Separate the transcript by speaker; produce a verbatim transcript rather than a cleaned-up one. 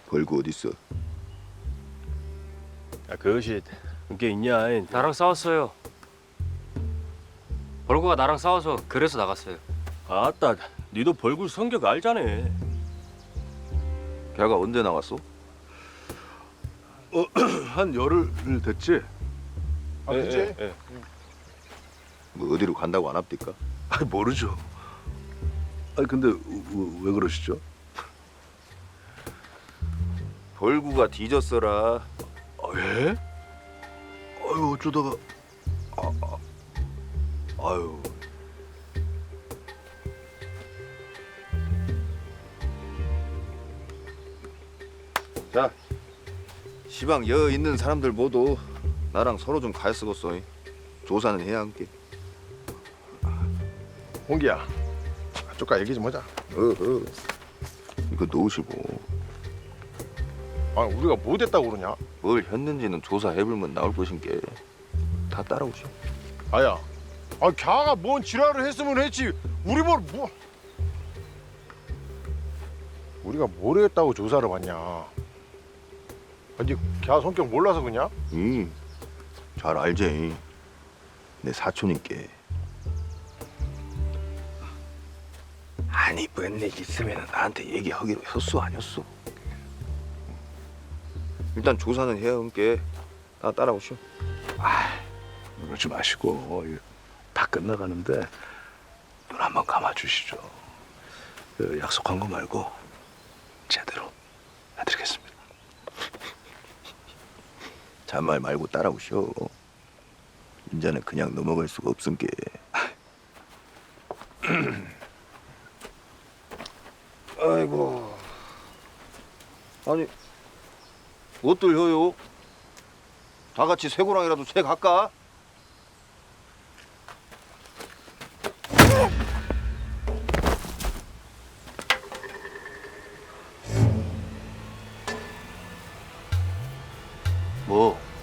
Speaker 1: 벌구 어딨어?
Speaker 2: 야, 그것이 그게 있냐?
Speaker 3: 나랑 싸웠어요. 벌구가 나랑 싸워서 그래서 나갔어요.
Speaker 2: 아따, 니도 벌굴 성격 알자네.
Speaker 1: 걔가 언제 나왔어?
Speaker 4: 한 열흘 됐지?
Speaker 5: 아, 그치?
Speaker 2: 예, 예.
Speaker 1: 뭐 어디로 간다고 안 합니까?
Speaker 4: 아 모르죠. 아니 근데 왜, 왜 그러시죠?
Speaker 1: 벌구가 뒤졌어라.
Speaker 4: 아, 예? 아유 어쩌다가 아, 아, 아유
Speaker 1: 자, 시방 여 있는 사람들 모두 나랑 서로 좀 갈 쓰겄어. 조사는 해야 함께.
Speaker 5: 홍기야, 쪼까 얘기 좀 하자.
Speaker 1: 어허. 이거 놓으시고
Speaker 5: 아니 우리가 뭐 됐다고 그러냐?
Speaker 1: 뭘 했는지는 조사해보면 나올 것인 게 다 따라오시오.
Speaker 5: 아야, 아 걔가 뭔 지랄을 했으면 했지. 우리 뭘 뭐? 우리가 뭘 했다고 조사를 받냐? 아니 걔 성격 몰라서 그냐?
Speaker 1: 응, 잘 알지. 내 사촌인께. 아니 뭔 일 있으면 나한테 얘기하기로 했어 아니었어? 일단 조사는 해야 함께. 다 따라오시오.
Speaker 4: 그러지 마시고 이거 다 끝나가는데 눈 한번 감아주시죠. 그 약속한 거 말고 제대로 해드리겠습니다.
Speaker 1: 잔말 말고 따라오시오. 인자는 그냥 넘어갈 수가 없은게. 아이고. 아니 어떨 혀요? 다 같이 쇠고랑이라도 쇠 갈까? 뭐?